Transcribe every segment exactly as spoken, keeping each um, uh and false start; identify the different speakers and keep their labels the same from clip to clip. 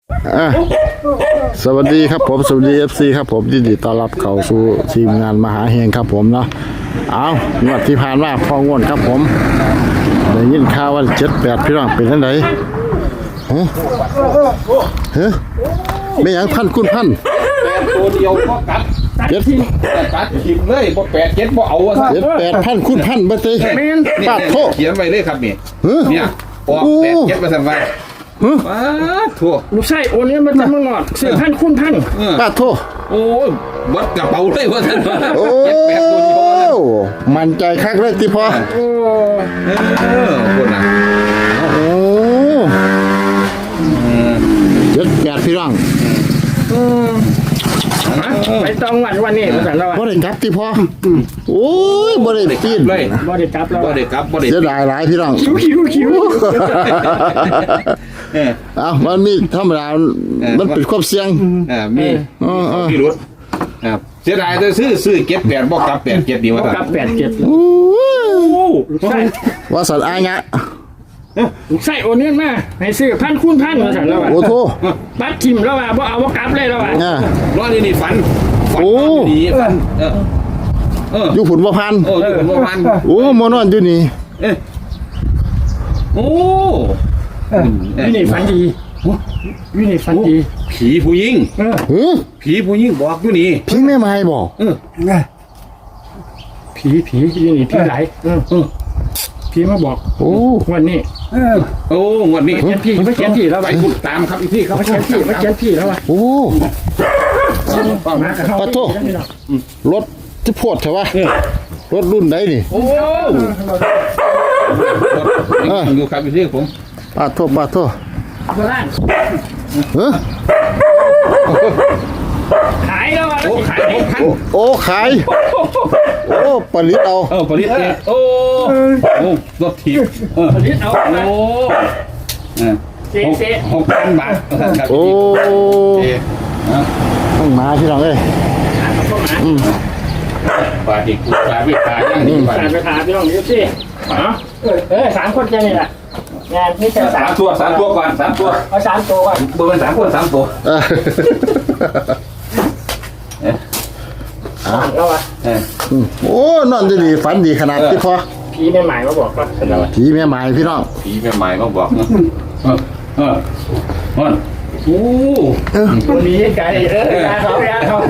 Speaker 1: อ่ะสวัสดีครับผมสวัสดีเอฟซีครับผมยินดีต้อนรับเข้าสู่ทีมงานมหาเฮงครับผมเนาะเอางวดที่ผ่านมาพองวดครับผมได้ยินข่าวว่าเจ็ดแปดพี่น้องเป็นยังไงฮะฮะไม่ยังพันคุณพัน
Speaker 2: แปดตัวเดียวก็กัด
Speaker 1: เจ็ด
Speaker 2: กัดหิมเลยบ่แปดเจ็ดบ่เอาอะ
Speaker 1: เจ็ดแปดพันคุณพันบัตร
Speaker 2: นี่
Speaker 1: ปาดโทษ
Speaker 2: เขียนไว้เลยครับนี่
Speaker 1: ฮะ
Speaker 2: เนี่ยออกแปดเจ็ดมาสั่งไว้
Speaker 1: ฮะ
Speaker 2: ป้าทั่ว
Speaker 3: ลูกไส้โอนเนี้ยมันจะมางอดเสียพันคุณพัน
Speaker 1: ปาดโทษ
Speaker 2: โอ้ยวัดกระเป๋าเลยว่าสั่นว่า
Speaker 1: โอ้
Speaker 2: เจ็ดแปดตัวเดียวว่าสั่น
Speaker 1: มันใจคักเลยที่พอ
Speaker 3: โอ้
Speaker 2: เออคนน่ะ
Speaker 1: โอ้เจ็ดแปดพี่น้อง
Speaker 3: ไปต้องวันวันนี้ภาษาเรา
Speaker 1: บ่ได้กลับที่พอโอ้ยบ่ได้ปีน
Speaker 2: เลย
Speaker 3: บ่ได้จับแล้ว
Speaker 2: บ่ได้กลับบ่ได้
Speaker 1: เสียดายหลายพี่น้อง
Speaker 3: คิวคิวคิว
Speaker 2: เออ
Speaker 1: อ้าวมันมีธรรมดามันเป็นความเสี่ยง
Speaker 2: อ่ามี
Speaker 1: เออเออ
Speaker 2: พี่รถครับเสียดายแต่ซื้อซื้อเก็บแปดบ่กลับแปดเจ็ดดีว่าสั่น
Speaker 3: กับแปดเจ็ด
Speaker 1: โอ้ย
Speaker 3: ลูกไส้
Speaker 1: ว่าสันอายงะ
Speaker 3: ลูกไส้โอนเนี้ยมาให้ซื้อพันคุณพันภาษาเรา
Speaker 1: โอ้โท
Speaker 3: บัตรทิมแล้วว่าบ่เอาบ่กลับเลยแล้วว่า
Speaker 1: อ่ะ
Speaker 2: ร้อนนี่นี่ฝันฝัน
Speaker 1: โอ้
Speaker 2: ดีฝันเออเออ
Speaker 1: อยู่ผุนบ่พัน
Speaker 2: โอ้ยผมว่าพัน
Speaker 1: โอ้มอนอนอยู่นี่
Speaker 2: เอ๊ะโอ้
Speaker 3: วินี่ฝันดีวินี่ฝันดี
Speaker 2: ผีผู้หญิง
Speaker 3: เออ
Speaker 1: หือ
Speaker 2: ผีผู้หญิงบอกอยู่นี่
Speaker 1: พี่แม่ไม้บ่
Speaker 2: เออ
Speaker 3: ผีผีวินี่ผีไหลเออเออผีมาบอก
Speaker 1: โอ้
Speaker 3: วันนี้
Speaker 2: โอ้วันนี้
Speaker 3: เขียนพี่มาเขียนพี่แล้ว
Speaker 2: ไป
Speaker 3: ว่า
Speaker 2: คุณตามครับอีกพี่ครับ
Speaker 3: มาเขียนพี่มาเขียนพี่แล้วว่า
Speaker 1: โอ้
Speaker 3: มากับเขา
Speaker 1: ปะโทรถที่โพดใช่ปะรถรุ่นไหนนี่
Speaker 2: โอ้อยู่ครับอีกพี่ผม
Speaker 1: ปาดโทษปาดโทษ
Speaker 3: โบราณ
Speaker 1: เฮ้อ
Speaker 3: ขายแล้วว่า
Speaker 2: โอ้ขายหกพัน
Speaker 1: โอ้ขายโอ้ผลิตเอา
Speaker 2: เออผลิตเองโอ้โอ้รถถีบเออ
Speaker 3: ผลิตเอา
Speaker 2: โอ้หกพันบาทครับ
Speaker 1: โอ้
Speaker 2: เอ๊ะ
Speaker 1: ต้องมาพี่น้องเอ้ย
Speaker 2: บาทอีกบาทไม่ขายยังดีบาท
Speaker 3: สามไปถามพี่น้องดูสิอ๋อเออเออสามคนแค่นี้แหละงานนี่จะสา
Speaker 2: สาม
Speaker 3: ม
Speaker 2: ตัวสามตัวก่อนสามตัว
Speaker 3: เอาสามตัวก่อน
Speaker 2: เบอร์เป็นสามคนสามตัว
Speaker 1: เออ
Speaker 3: แล้ววะ
Speaker 2: เออ
Speaker 1: อืมโอ้นอนดีๆฝันดีขนาดที่พอ
Speaker 3: พี่ไม่หมายมาบอกว่า
Speaker 2: เป็นอะไร
Speaker 1: ผีแม่ไม้พี่น้อง
Speaker 2: ผีแม่ไม้มาบอกนะเออเออเออโอ้
Speaker 3: คนนี้ไกลเออยาเขายาเขา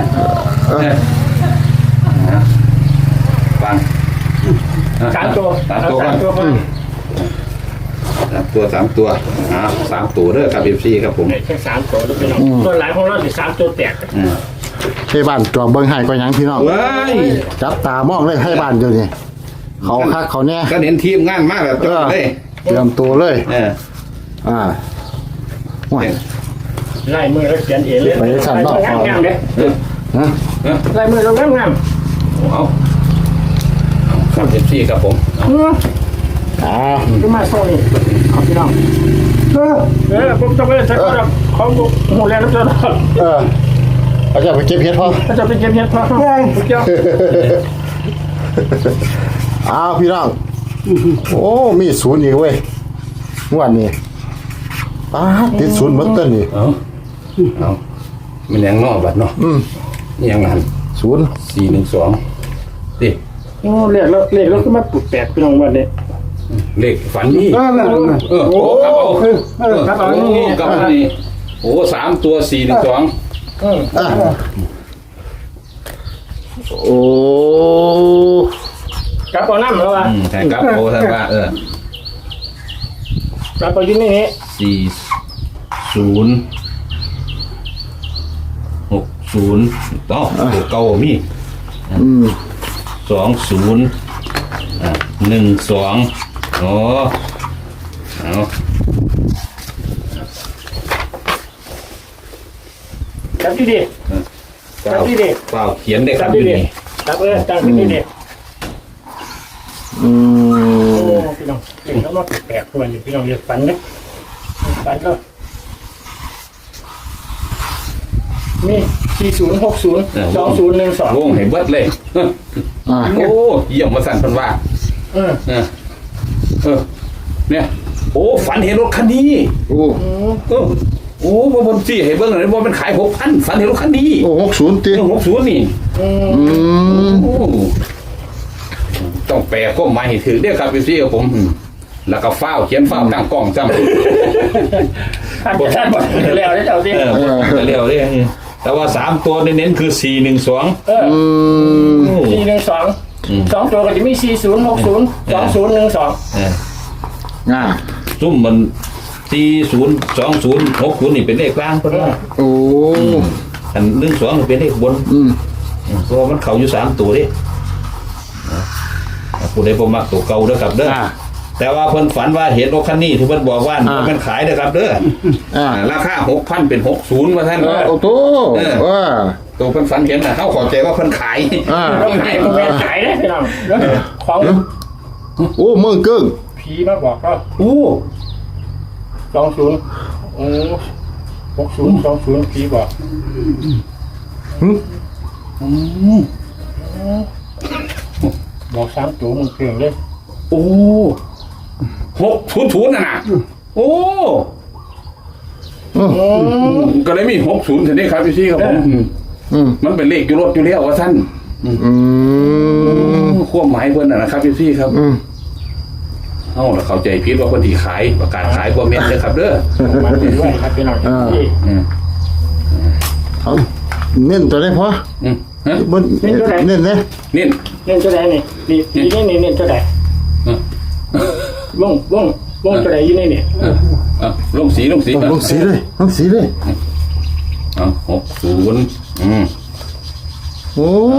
Speaker 2: ฟัง
Speaker 3: สามตัว
Speaker 2: สามตัว
Speaker 3: สามตัว
Speaker 2: สามตัวสามตัวอ่าสามตัวเด้อครับเอฟซีครับผม
Speaker 3: แค่สามตัวแล้วพี่น้องตัวหลายของเราสิสามตัวแตก
Speaker 1: ให้บ้านจอเบิ้งให้ก็ยังพี่น้อง
Speaker 2: ว้าย
Speaker 1: จับตามองเลยให้บ้านเดี๋ยวนี้เขาคักเขาแน่
Speaker 2: ก็เน้นทีมงานมากแบบจบเลย
Speaker 1: เตรียมตัวเลย
Speaker 2: เออ
Speaker 1: อ่าห่วย
Speaker 3: ไล่มือแล้วเขียนเองเลยงามงามเลย
Speaker 1: ฮะ
Speaker 3: ไล่มือเรางามงาม
Speaker 2: เอาครับเอฟซีครับผม
Speaker 1: อ่า
Speaker 3: ก็มาโซ่นี่ขอบพี่น้องเออเออผมจะไปใช้ของของหูแลแล้วจะ
Speaker 1: เออเขาจะไปเก็บเห็ดพอ
Speaker 3: ถ้าจะไปเก็บเห็ดพอเกี่ยว
Speaker 1: อ้าวพี่น้องโอ้มีศูนย์อีกเว้ยงวดนี้ป้าดติดศูนย์หมดต้นนี่
Speaker 2: เอาเอามันยังนอกบัดเนาะ
Speaker 1: อืม
Speaker 2: ยังหัน
Speaker 1: ศูนย์
Speaker 2: สี่หนึ่งสองดิ
Speaker 3: โอ้เรียกแล้วเรียกแล้วก็มาปลุกแปดพี่น้องวันนี้
Speaker 2: เลขฝันนี่
Speaker 3: เออ
Speaker 2: เออโอ้กลับเอา
Speaker 3: เออกลับเอา
Speaker 2: โอ้กลับเอานี่โอ้สามตัวสี่หนึ่งสอง
Speaker 3: เออ
Speaker 1: อ่ะโอ้
Speaker 3: กลับเอาน้ำแล้ววะ
Speaker 2: อืมใช่ครับโอ้ท่านว่าเออก
Speaker 3: ลับเอาอยู่นี่นี่
Speaker 2: สี่ศูนย์หกศูนย์ต่อตัวเก่ามี
Speaker 1: อืม
Speaker 2: สองศูนย์อ่าหนึ่งสองอ๋อเอา
Speaker 3: กลับที่ดี
Speaker 2: เปล่า
Speaker 3: ครับพี่เด็ก
Speaker 2: เปล่าเขียนได้
Speaker 3: ก
Speaker 2: ค
Speaker 3: ลั
Speaker 2: รั
Speaker 3: บบ ที่
Speaker 2: อยู่
Speaker 3: ดี
Speaker 2: นี่
Speaker 3: กลับเออกลับที่ดี
Speaker 1: อื
Speaker 3: โอ้
Speaker 1: ม
Speaker 3: พี่น้องเก่งแล้วมาแปลกตัวอยู่พี่น้องเรียกฝันนะฝันก็มีสี่ศูนย์หกศูนย์สองศูนย์หนึ่งสอง
Speaker 2: วงให้เบิดเลย
Speaker 1: อ่ะ
Speaker 2: โอ้เยี่ยมมาสั่นเพันว่า
Speaker 3: เออ
Speaker 2: เออเออเนี่ยโอ้ฝันเห็นรถคันนี้
Speaker 1: โอ้
Speaker 2: เออโโอ้บ่บนสี่ให้เบิ่งเลยบ่มันขายหกพันฝันเห็นรถคันนี้
Speaker 1: โอ้หกศูนย์ตี
Speaker 2: เรื่องหกศูนย์นี่
Speaker 1: อืม
Speaker 2: โอ้ต้องแปลข้อหมายให้ถือเด้อครับพี่ซี่กับผม แล้วก็ฟ้าวเขียนฟ้าวตั้งกล้องจำ
Speaker 3: ท่านท่านบอกแล้วได้เจ้าสิ
Speaker 2: เออเร็วเด้แต่ว่าสามตัวเน้นๆคือสี่หนึ่งสอง
Speaker 3: เออสี่หนึ่งสองสองตัวก็จะมีสี่ศูนย์หกศูนย์สองศูนย์หนึ่งสอง
Speaker 1: อ่า
Speaker 2: ซุ่มมันสี่ศูนย์สองศูนย์หกศูนย์นี่เป็นเลขกลางเพราะว่า
Speaker 1: โอ้
Speaker 2: อันหนึ่งสองเป็นเลขบน
Speaker 1: อืม
Speaker 2: เพราะว่ามันเข่าอยู่สามตัวดิผู้ใดบ่มักตัวเก่าเด้อครับเด้อ
Speaker 1: อ่า
Speaker 2: แต่ว่าเพิ่นฝันว่าเห็นรถคันนี้ที่เพิ่นบอกว่า
Speaker 1: อ่า
Speaker 2: มันขายเด้อครับเด้อ
Speaker 1: อ่า
Speaker 2: อ่าราคาหกพันเป็นหกศูนย์ว่าท่าน
Speaker 1: โอ้โตว่า
Speaker 2: ตัวเพิ่นฝันเห็นน่ะเฮาเข้าใจว่าเพิ่นขาย
Speaker 1: อ่า
Speaker 3: ต้องขายต้องแม่ขายได้พี่น้องแล้วของ
Speaker 1: โอ้เมืองเกิ้ง
Speaker 3: ผีมาบอกก็
Speaker 2: โอ้
Speaker 3: สองศูนย์โอ้หกศูนย์สองศูนย์ผีบอก
Speaker 1: หึ
Speaker 3: บอกสามตัวมึงเพียงเลย
Speaker 2: โอ้หกศูนย์ศูนย์น่ะนะโอ้
Speaker 1: อืม
Speaker 2: ก็เลยมีหกศูนย์ถึงได้ครับพี่ซี่ครับผม
Speaker 1: อืม
Speaker 2: มันเป็นเลขอยู่รถอยู่แล้วว่าท่าน
Speaker 1: อืม
Speaker 2: ความหมายเพิ่นน่ะนะครับพี่ซี่ครับ
Speaker 1: อืม
Speaker 2: เอ้าแล้วเข้าใจผิดว่าเพิ่นสิขายประกาศขายบ่แม่นเด้อครับเด้อ
Speaker 3: มาด้วยครับพี่น้องที่
Speaker 2: อืม
Speaker 1: เอาเน้นตัวได้พอ
Speaker 2: อืมฮะ
Speaker 1: บนเน้นเนี่ย
Speaker 2: นี่
Speaker 3: เล่นตัวไหนนี่นี่นี่นี่เล่นตัวไหน
Speaker 2: เออ
Speaker 3: วงวงวงตัวไหนอยู่ในนี่
Speaker 2: เออเออลงสีลงสี
Speaker 1: ต้องลงสีเลยลงสีเลย
Speaker 2: เอ้าหกศูนย์อืม
Speaker 1: โอ้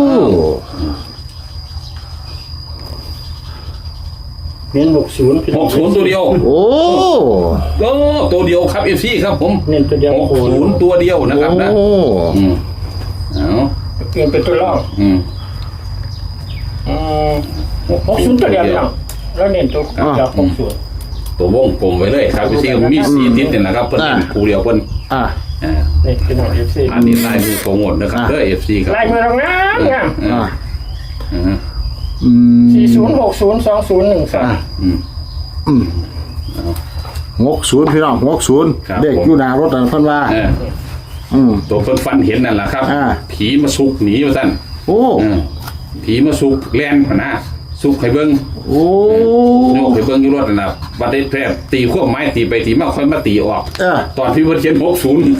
Speaker 3: เน้นหกศูนย์
Speaker 2: หกศูนย์ตัวเดียว
Speaker 1: โอ้
Speaker 2: โอ้ตัวเดียวครับเอฟซีครับผม
Speaker 3: เน้นตัวเดียว
Speaker 2: หกศูนย์ตัวเดียวนะครับนะ
Speaker 1: โอ้
Speaker 2: อืมเอา
Speaker 3: เปลี่ยนเป็นตัวล่อง
Speaker 2: อืม
Speaker 3: อืมหกศูนย์ตัวเดียวพี่น้องแล้วเน้นตัวเดียวหกศูนย์
Speaker 2: ตัววงกลมไว้เลยครับเอฟซีมีสีติดเนี่ยนะครับเพิ่นเป็นคู่เดียวเพิ่น
Speaker 1: อ่ะ
Speaker 2: อ่า
Speaker 3: นี่พี่น้องเอฟซี
Speaker 2: อันนี้ลายมือโปรโมทนะครับเด้อเอฟซีครับ
Speaker 3: ลายมือเรางามงาม
Speaker 2: อ่า
Speaker 1: อ่ะ
Speaker 2: อ่า
Speaker 1: อืม
Speaker 3: สี่ศูนย์หกศูนย์สองศูนย์หนึ่งสอง
Speaker 2: อืม
Speaker 1: อืมหกศูนย์พี่น้องหกศูนย์
Speaker 2: ครับ
Speaker 1: เด็กอยู่หน้ารถนั่นเพิ่นว่า
Speaker 2: เออ
Speaker 1: อืม
Speaker 2: ตัวเพิ่นฟันเห็นนั่นแหละครับ
Speaker 1: อ่า
Speaker 2: ผีมาซุกหนีว่าซั่น
Speaker 1: โอ้
Speaker 2: เออผีมาซุกแล่นพะนะซุกให้เบิ่ง
Speaker 1: โอ้
Speaker 2: โยกให้เบิ่งอยู่รถนั่นน่ะบัดได้แพร่ตีขั้วไม้ตีไปตีมาค่อยมาตีออก
Speaker 1: เออ
Speaker 2: ตอนที่เพิ่นเขียนหกศูนย์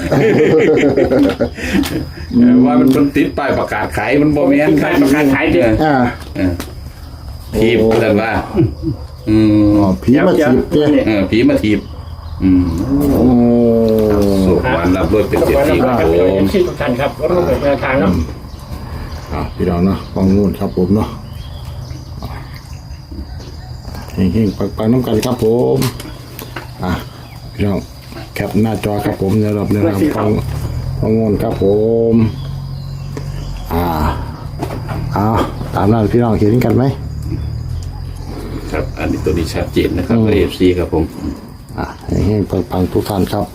Speaker 2: ว่ามันเพิ่นติดป้ายประกาศขายมันบ่แม่นครับประกาศขายเด้อ
Speaker 1: อ่ะ
Speaker 2: เออผีว่าซั่นว่า อืม
Speaker 1: อ๋อผีมาถีบเตี้ย
Speaker 2: เออผีมาถีบ อืม
Speaker 1: โอ้
Speaker 2: สุขวันรับรถเป็น
Speaker 3: ขอบ
Speaker 2: เจ็ด
Speaker 3: คุณ
Speaker 2: ปี
Speaker 3: นะ
Speaker 2: ค
Speaker 3: ค
Speaker 2: รั
Speaker 3: รั
Speaker 2: บบ ผ
Speaker 3: เอ
Speaker 2: ม
Speaker 3: ฟซีทุกท่านครับรถรูปแบบแนวทางเนาะ
Speaker 1: อ่ะพี่น้องเนาะฟังนู่นครับผมเนาะเฮงๆปังๆน้ำกันครับผมอ่ะพี่น้องแคปหน้าจอครับผมในรอบในรอบฟังฟังนู่นครับผมอ่าเอาตามนั้นพี่น้องเห็นกันไหม
Speaker 2: ครับ อันนี้ตัวนี้ชัดเจนนะครับเอฟซีครับผม
Speaker 1: อ่ะเฮงๆปังๆทุกท่านครับ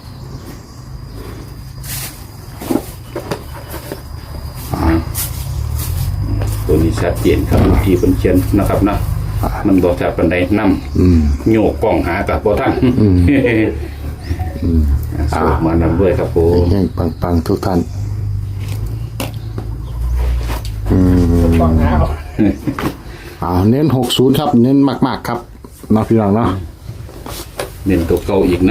Speaker 2: ตัวนี้ชัดเจนครับที่เพิ่นเขียนนะครับนะมันบอกจากบันไดนำโยกกล้องหากับบ่ท่านสวดมานำด้วยครับผม
Speaker 1: เฮงๆปังๆทุกท่าน
Speaker 3: ฟังนะ
Speaker 1: อ่าเน้นหกศูนย์ครับ เน้นมากๆครับเนาะพี่น้องเนาะ
Speaker 2: เน้นตัวเก่าอีกนะ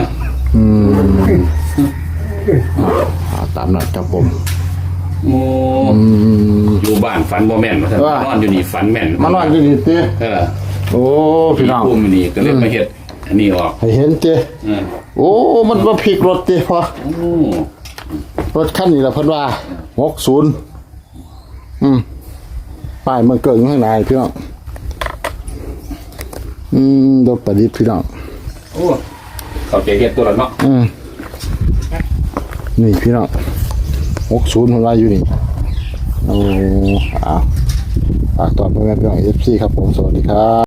Speaker 1: อ่าตามนั้นครับผม
Speaker 2: โอ้อยู่บ้านฝันบ่แม่นว่าท่าน
Speaker 1: ว่า
Speaker 2: นอนอยู่นี่ฝันแม่น
Speaker 1: มานอนดีดีเต้
Speaker 2: เออ
Speaker 1: โอ้พี่น้อง
Speaker 2: พุ่มนี่ก็เลยมาเฮ็ดอันนี้ออก
Speaker 1: ให้เห็นเต้
Speaker 2: เออ
Speaker 1: โอ้มันมาพลิกรถเต้พอ
Speaker 2: โอ้
Speaker 1: รถคันนี้ละเพิ่นว่าหกศูนย์อืมป้ายมันเกิดอยู่ข้างในพี่น้องอืมรถประดิษฐ์พี่น้อง
Speaker 2: โอ้เข้าใจเฮ็ดตัวละเนาะ
Speaker 1: อืมนี่พี่น้องหกศูนย์ของเราอยู่นี่โอ้อ้าวฝากตอนเพื่อนๆพี่น้องเอฟซีครับผมสวัสดีครับ